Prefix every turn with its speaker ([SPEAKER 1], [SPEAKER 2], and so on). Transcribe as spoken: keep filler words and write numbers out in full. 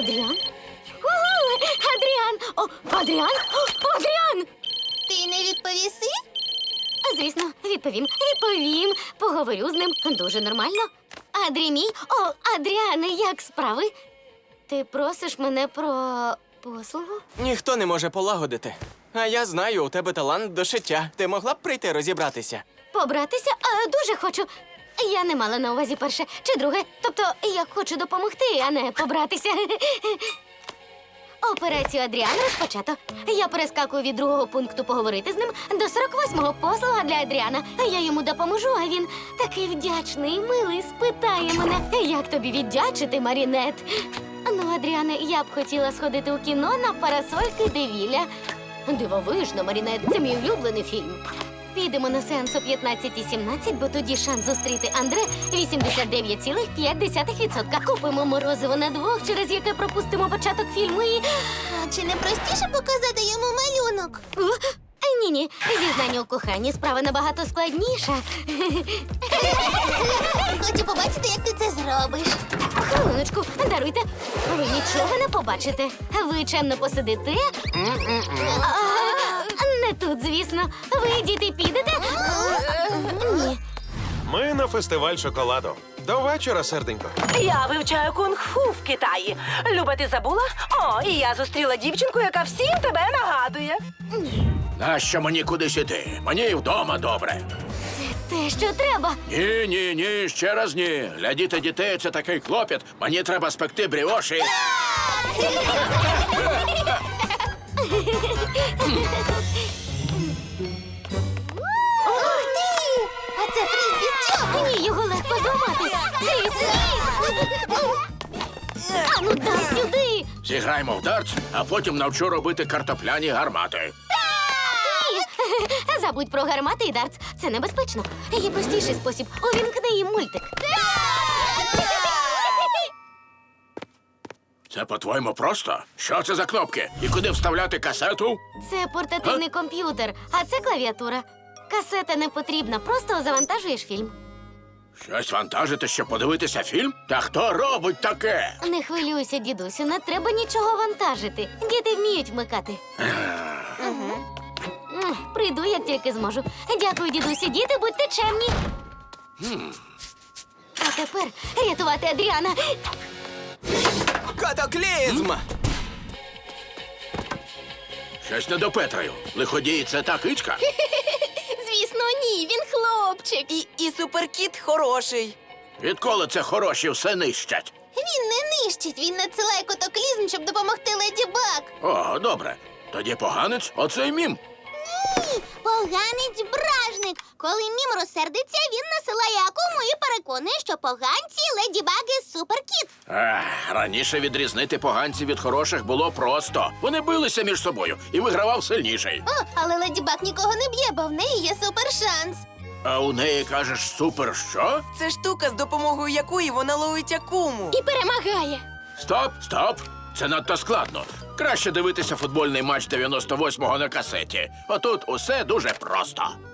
[SPEAKER 1] Адріан? О, Адріан! О, Адріан! О, Адріан!
[SPEAKER 2] Ти не відповіси?
[SPEAKER 1] Звісно, відповім. Відповім. Поговорю з ним. Дуже нормально. Адрі мій. О, Адріане, як справи? Ти просиш мене про послугу?
[SPEAKER 3] Ніхто не може полагодити. А я знаю, у тебе талант до шиття. Ти могла б прийти розібратися?
[SPEAKER 1] Побратися? А, дуже хочу. Я не мала на увазі перше чи друге. Тобто, я хочу допомогти, а не побратися. Операцію Адріана розпочато. Я перескакую від другого пункту поговорити з ним до сорок восьмого послуга для Адріана. Я йому допоможу, а він такий вдячний, милий, спитає мене, як тобі віддячити, Марінет. Ну, Адріане, я б хотіла сходити у кіно на парасольки Девіля. Дивовижно, Марінет, це мій улюблений фільм. Підемо на сеанс о п'ятнадцятій сімнадцять, бо тоді шанс зустріти Андре вісімдесят дев'ять цілих п'ять десятих відсотка. Купимо морозиво на двох, через яке пропустимо початок фільму і...
[SPEAKER 2] А чи не простіше показати йому малюнок?
[SPEAKER 1] Ні-ні, зізнання у коханні справа набагато складніша.
[SPEAKER 2] Хочу побачити, як ти це зробиш.
[SPEAKER 1] Хвилиночку, даруйте. Ви нічого не побачите. Ви чемно посидите. А, не тут, звісно. Ви, діти, підете? Ні.
[SPEAKER 4] Ми на фестиваль шоколаду. До вечора, серденько.
[SPEAKER 5] Я вивчаю кунг-фу в Китаї. Люба, ти забула? О, і я зустріла дівчинку, яка всім тебе нагадує.
[SPEAKER 6] Нащо мені кудись іти? Мені і вдома добре.
[SPEAKER 1] Те, що треба.
[SPEAKER 6] Ні, ні, ні, ще раз ні. Глядіти дітей – це такий клопіт. Мені треба спекти бріоші.
[SPEAKER 2] Ух ти! А це фризбі з чого?
[SPEAKER 1] Ні, його легко зламати. Кріс, а ну дай сюди.
[SPEAKER 6] Зіграємо в дартс, а потім навчу робити картопляні гармати.
[SPEAKER 1] Ні. Забудь про гармати і дартс. Це небезпечно. Є простіший спосіб. Увімкни їм мультик.
[SPEAKER 6] Це, по-твоєму, просто? Що це за кнопки? І куди вставляти касету?
[SPEAKER 1] Це портативний комп'ютер, а це клавіатура. Касета не потрібна, просто завантажуєш фільм.
[SPEAKER 6] Щось вантажити, щоб подивитися фільм? Та хто робить таке?
[SPEAKER 1] Не хвилюйся, дідусю, не треба нічого вантажити. Діти вміють вмикати. М, Прийду, як тільки зможу. Дякую, дідусю. Діти, будьте чемні. А тепер рятувати Адріана.
[SPEAKER 3] Катаклізм!
[SPEAKER 6] Щось не допетраю. Лиходій – це та кичка?
[SPEAKER 2] Звісно, ні, він хлопчик.
[SPEAKER 7] І, і суперкіт хороший.
[SPEAKER 6] Відколи це хороші все нищать?
[SPEAKER 2] Він не нищить, він надсилає котоклізм, щоб допомогти Леді Баг.
[SPEAKER 6] О, добре. Тоді поганець – оцей мім.
[SPEAKER 2] Ні, поганець бражник. Коли мім розсердиться, він насилає акуму і переконує, що поганці Леді Баги суперкіт.
[SPEAKER 6] Ах, раніше відрізнити поганців від хороших було просто. Вони билися між собою і вигравав сильніший.
[SPEAKER 2] О, але Леді Баг нікого не б'є, бо в неї є супершанс.
[SPEAKER 6] А у неї, кажеш, супер що?
[SPEAKER 7] Це штука, з допомогою якої вона ловить акуму.
[SPEAKER 2] І перемагає.
[SPEAKER 6] Стоп, стоп! Це надто складно. Краще дивитися футбольний матч дев'яносто восьмого на касеті. Отут усе дуже просто.